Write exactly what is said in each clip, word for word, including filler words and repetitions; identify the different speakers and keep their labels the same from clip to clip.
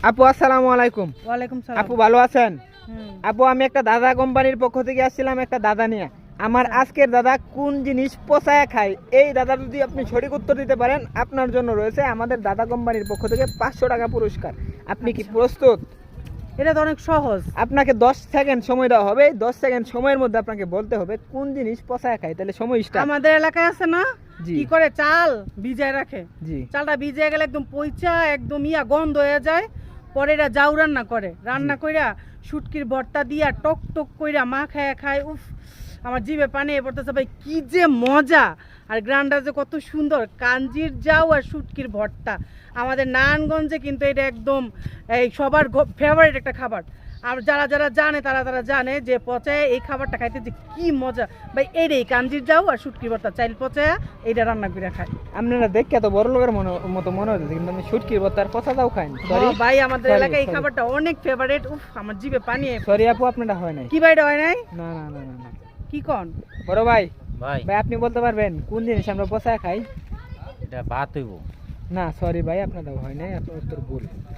Speaker 1: আপু আসসালামু আলাইকুম।
Speaker 2: ওয়ালাইকুম সালাম।
Speaker 1: আপু ভালো আছেন?
Speaker 2: হুম।
Speaker 1: আপু আমি একটা দাদা কোম্পানির পক্ষ থেকে আসছিলাম একটা দাদা নিয়ে। আমার আজকের দাদা কোন জিনিস পচায় খায়, এই দাদা যদি আপনি সঠিক উত্তর দিতে পারেন আপনার জন্য রয়েছে আমাদের দাদা কোম্পানির পক্ষ থেকে পাঁচশো টাকা পুরস্কার। আপনি কি প্রস্তুত?
Speaker 2: এটা তো অনেক সহজ।
Speaker 1: আপনাকে দশ সেকেন্ড সময় দেওয়া হবে। দশ সেকেন্ড সময়ের মধ্যে আপনাকে বলতে হবে কোন জিনিস পচায় খায়। তাহলে সময় স্টার্ট।
Speaker 2: আমাদের এলাকায় আছে না,
Speaker 1: জি।
Speaker 2: কি করে চাল ভিজায় রাখে,
Speaker 1: জি
Speaker 2: চালটা ভিজে গেলে একদম পইচা একদম ইয়া গন্ধ হয়ে যায়, পরে এটা জাউ রান্না করে, রান্না কইরা শুটকির ভর্তা দিয়া টক টক কইরা মা খায় খায়। উফ, আমার জিভে পানি পড়তেছে ভাই, কি যে মজা। আর গ্রানটা যে কত সুন্দর, কাঞ্জির জাউ আর শুটকির ভর্তা। আমাদের নারায়ণগঞ্জে কিন্তু এটা একদম এই সবার ফেভারিট একটা খাবার। আর যারা যারা জানে তারা তারা জানে যে পচায় এই খাবারটা খাইতে যে কি মজা ভাই। এইটাই কাঞ্জির যাও আর শুটকির ভর্তা, চাইল পচায় এইটা রান্না করে খায়।
Speaker 1: আপনারা দেখে এত বড় লোকের মতো মনে হচ্ছে, কিন্তু আমি শুটকির ভর্তা আর পচা দাও খাই।
Speaker 2: ভাই আমাদের এলাকায় এই খাবারটা অনেক ফেভারিট। উফ, আমার জিভে পানি।
Speaker 1: সরি আপু, আপনারা হয় নাই।
Speaker 2: কি ভাইটা হয় নাই?
Speaker 1: না না না না না।
Speaker 2: কি কোন
Speaker 1: বড় ভাই?
Speaker 3: ভাই
Speaker 1: ভাই আপনি বলতে পারবেন কোন জিনিস আমরা পচায় খাই?
Speaker 3: এটা ভাত হইব।
Speaker 1: না সরি ভাই, আপনাদের হয় নাই, আপনার উত্তর ভুল।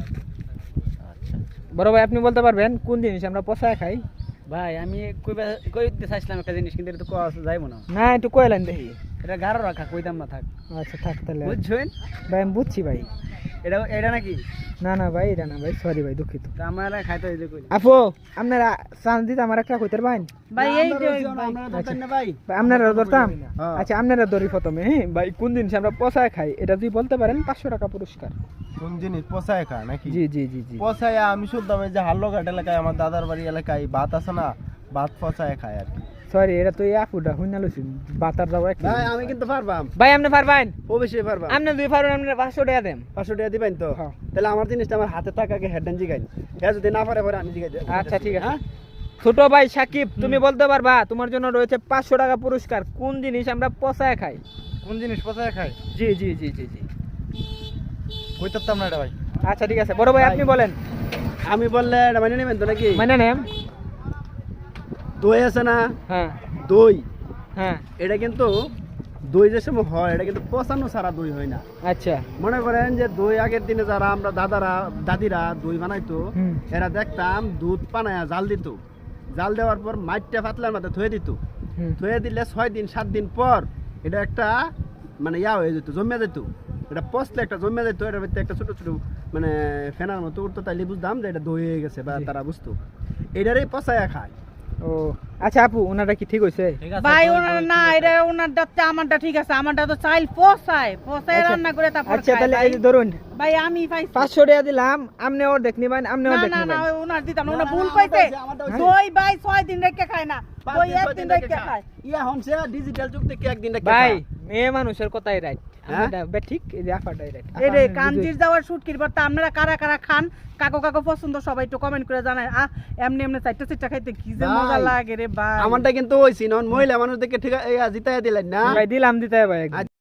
Speaker 3: আচ্ছা
Speaker 1: বড় ভাই আপনি বলতে পারবেন কোন জিনিস আমরা পচায় খাই?
Speaker 3: ভাই আমি কইবা কইতে চাইছিলাম একটা জিনিস, কিন্তু এটা তো কোয়া যাইবো না।
Speaker 1: না একটু কইলেন দেখি।
Speaker 3: এটা গাঢ় রাখা, কইতাম না থাক।
Speaker 1: আচ্ছা থাক তাহলে।
Speaker 3: বুঝছেন?
Speaker 1: ভাই আমি বুঝছি ভাই।
Speaker 3: এটা এটা নাকি?
Speaker 1: না না ভাই, এটা না ভাই, সরি ভাই, দুঃখিত।
Speaker 3: তো আমরা খাইতে হইলে কইলে
Speaker 1: আপু আপনারা চান্স দিতে আমার একটা কইতে পারবেন?
Speaker 2: ভাই এই যে
Speaker 3: আমরা দরকার না ভাই।
Speaker 1: ভাই আপনারা ধরতাম।
Speaker 3: হ্যাঁ।
Speaker 1: আচ্ছা আপনারা ধরি প্রথমে। হ্যাঁ ভাই, কোন জিনিস আমরা পচায় খাই এটা যদি বলতে পারেন পাঁচশো টাকা পুরস্কার।
Speaker 4: কোন জিনিস পচায় খা নাকি?
Speaker 1: জি জি জি জি।
Speaker 4: পচায় আমি শুনতাম এই যে হাল্লোঘাট এলাকায় আমার দাদার বাড়ি এলাকায় ভাত আছে না, ভাত পচায় খায় আর কি।
Speaker 1: সরি, এটা তো এই আপুটা হুইনা লইছি বাতার যাও এক।
Speaker 3: ভাই আমি কিন্তু পারবাম।
Speaker 1: ভাই আপনি পারবেন?
Speaker 3: অবশ্যই পারবাম।
Speaker 1: আপনি দুই পারবেন, আপনি পাঁচশো টাকা দেন।
Speaker 3: পাঁচশো টাকা দিবেন তো?
Speaker 1: হ্যাঁ।
Speaker 3: তাহলে আমার জিনিসটা আমার হাতে থাকাকে হেডেন জিগাই। হ্যাঁ, যদি না পারে পরে আমি জিগাই।
Speaker 1: আচ্ছা ঠিক আছে।
Speaker 3: হ্যাঁ?
Speaker 1: ছোট ভাই সাকিব, তুমি বলতে পারবা? তোমার জন্য রয়েছে পাঁচশো টাকা পুরস্কার। কোন জিনিস আমরা পচায় খাই?
Speaker 4: কোন জিনিস পচায় খায়?
Speaker 1: জি জি জি জি জি।
Speaker 4: কইতাম না এটা ভাই।
Speaker 1: আচ্ছা ঠিক আছে, বড় ভাই আপনি বলেন।
Speaker 3: আমি বললে এটা মানে নেবেন তো নাকি?
Speaker 1: মানে নেম।
Speaker 3: দই আছে না,
Speaker 1: হ্যাঁ
Speaker 3: দই,
Speaker 1: হ্যাঁ।
Speaker 3: এটা কিন্তু দই যে সময় হয় এটা কিন্তু পচানো ছাড়া দই হয় না।
Speaker 1: আচ্ছা।
Speaker 3: মনে করেন যে দই আগের দিনে যারা আমরা দাদারা দাদিরা দই বানাইতো,
Speaker 1: হুম।
Speaker 3: এরা দেখতাম দুধ পানায়া জাল দিত, জাল দেওয়ার পর মাইটটা পাতলার মধ্যে থুয়ে দিত,
Speaker 1: হুম।
Speaker 3: থুয়ে দিলে ছয় দিন সাত দিন পর এটা একটা মানে ইয়া হয়ে যেত, জমে যেত। এটা পচলে একটা জমে যেত, এটার ভিতরে একটা ছোট ছোট মানে ফেনার মতো উঠতো, তাইলে বুঝতাম যে এটা দই হয়ে গেছে, বা
Speaker 1: জি।
Speaker 3: তারা বুঝতো এটারই পচায়া খায়।
Speaker 1: ও আচ্ছা আপু, ওনাটা কি ঠিক হইছে?
Speaker 2: ভাই ওনার না, এটা ওনার দাঁতটা আমারটা ঠিক আছে। আমারটা তো চাইল পচায় পচায়
Speaker 1: আচ্ছা।
Speaker 2: রান্না করে তারপর
Speaker 1: আচ্ছা
Speaker 2: খায়
Speaker 1: তাহলে
Speaker 2: ভাই।
Speaker 1: এই যে ধরুন
Speaker 2: ভাই আমি পাইছি।
Speaker 1: পাঁচশো টাকা দিলাম, আপনি অর্ধেক নিবেন, আপনি
Speaker 2: না
Speaker 1: অর্ধেক
Speaker 2: না না,
Speaker 1: নিবেন।
Speaker 2: ওই ওনার দিতাম না,
Speaker 3: না,
Speaker 2: ওনার
Speaker 3: না,
Speaker 2: ভুল
Speaker 3: না,
Speaker 2: কইতে।
Speaker 3: আমারটা হইছে, আমারটা হইছে।
Speaker 2: দই ভাই ছয় দিন রেখে খায় না,
Speaker 3: পাঁচ
Speaker 2: দই
Speaker 3: দিন,
Speaker 2: এক
Speaker 3: ছয়
Speaker 2: দিন
Speaker 3: দিন
Speaker 2: রেখে
Speaker 3: রেখে
Speaker 2: খায়।
Speaker 3: খায়। ইয়া হনছে ডিজিটাল যুগ থেকে একদিন রেখে
Speaker 1: ভাই
Speaker 3: খায়।
Speaker 1: মেয়ে মানুষের কথাই রাইট।
Speaker 3: হ্যাঁ?
Speaker 1: ঠিক, এই যে আপাটাই রাইট।
Speaker 2: এই রে কাঞ্জির যাওয়ার শুটকির ভর্তা আপনারা কারা কারা খান, কাকো কাকো পছন্দ সবাই একটু কমেন্ট করে জানায়। আহ এমনি এমনি চারটা চারটা খাইতে কি যে
Speaker 3: ভাই,
Speaker 2: মজা লাগে রে ভাই।
Speaker 3: আমারটা কিন্তু হইছি নন মহিলা মানুষ দেখে ঠিক আছে জিতাইয়া দিলেন না।
Speaker 1: ভাই দিলাম দিতে হবে ভাই একদম।